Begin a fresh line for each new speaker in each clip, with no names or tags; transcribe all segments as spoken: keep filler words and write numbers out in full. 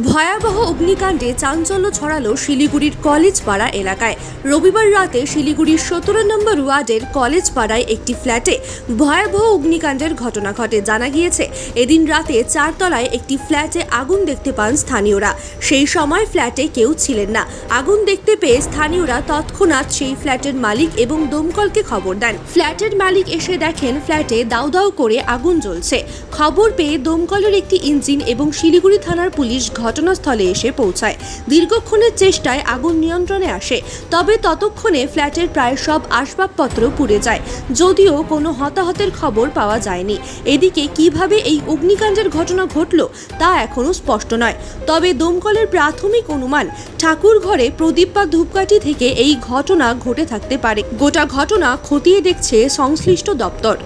ভয়াবহ অগ্নিকাণ্ডে চাঞ্চল্য ছড়ালো শিলিগুড়ির কলেজ পাড়া এলাকায়। রবিবার রাতে শিলিগুড়ির সতেরো নম্বর ওয়ার্ডের কলেজ পাড়ায় একটি ফ্ল্যাটে ভয়াবহ অগ্নিকাণ্ডের ঘটনা ঘটে। জানা গিয়েছে, এদিন রাতে চারতলায় একটি ফ্ল্যাটে আগুন দেখতে পান স্থানীয়রা। সেই সময় ফ্ল্যাটে কেউ ছিলেন না। আগুন দেখতে পেয়ে স্থানীয়রা তৎক্ষণাৎ সেই ফ্ল্যাটের মালিক এবং দমকলকে খবর দেন। ফ্ল্যাটের মালিক এসে দেখেন ফ্ল্যাটে দাউ দাউ করে আগুন জ্বলছে। খবর পেয়ে দমকলের একটি ইঞ্জিন এবং শিলিগুড়ি থানার পুলিশ ঘটনাস্থলে এসে পৌঁছায়। দীর্ঘক্ষণের চেষ্টায় আগুন নিয়ন্ত্রণে আসে, তবে ততক্ষণে ফ্ল্যাটের প্রায় সব আসবাবপত্র পুড়ে যায়। যদিও কোনো হতাহতের খবর পাওয়া যায়নি। এদিকে কিভাবে এই অগ্নিকাণ্ডের ঘটনা ঘটল তা এখনও স্পষ্ট নয়। তবে দমকলের প্রাথমিক অনুমান, ঠাকুর ঘরে প্রদীপ বা ধূপকাঠি থেকে এই ঘটনা ঘটে থাকতে পারে। গোটা ঘটনা খতিয়ে দেখছে সংশ্লিষ্ট দপ্তর।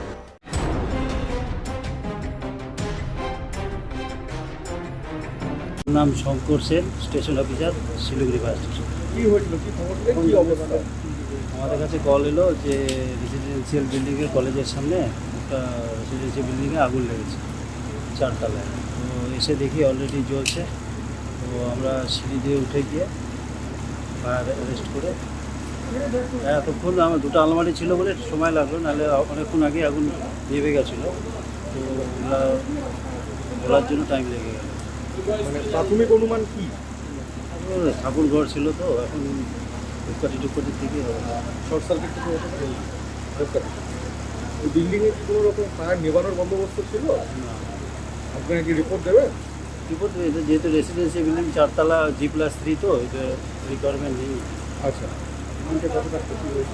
নাম Shankar Sen, station officer, Siliguri fire station.
কি হয়েছিল, কি খবর, কি অবস্থা?
আমাদের কাছে কল এলো যে রেসিডেন্সিয়াল বিল্ডিংয়ের কলেজের সামনে একটা রেসিডেন্সিয়াল বিল্ডিংয়ে আগুন লেগেছে চারতলায়। তো এসে দেখি অলরেডি জ্বলছে। তো আমরা সিঁড়ি দিয়ে উঠে গিয়ে ফায়ার অ্যারেস্ট করে এতক্ষণ আমার দুটো আলমারি ছিল বলে সময় লাগলো, নাহলে অনেকক্ষণ আগে আগুন নেমে গেছিলো। তো ওগুলা বলার জন্য টাইম লেগে গেল।
মানে প্রাথমিক অনুমান কি?
ঠাকুর ঘর ছিল, তো এখন ধূপকাঠি টুপকাঠির থেকে হবে।
শর্ট সার্কিট থেকে হতে পারে। বিল্ডিংয়ে কি কোনো রকম ফায়ার নেভানোর বন্দোবস্ত ছিল?
না,
আপনাকে কি রিপোর্ট দেবেন?
রিপোর্ট এটা যেহেতু রেসিডেন্সিয়াল বিল্ডিং চারতলা জি প্লাস থ্রি, তো এটা রিকোয়ারমেন্ট নেই।
আচ্ছা, এখানটা কতটা ক্ষতি হয়েছে?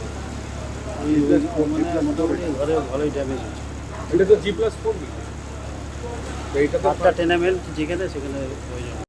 মানে মোটামুটি ঘরে ভালোই ড্যামেজ হচ্ছে।
এটা তো জি প্লাস ফোর, এইটা তো
আটটা টেনামেন্ট যেখানে সেখানে হয়ে যাবে।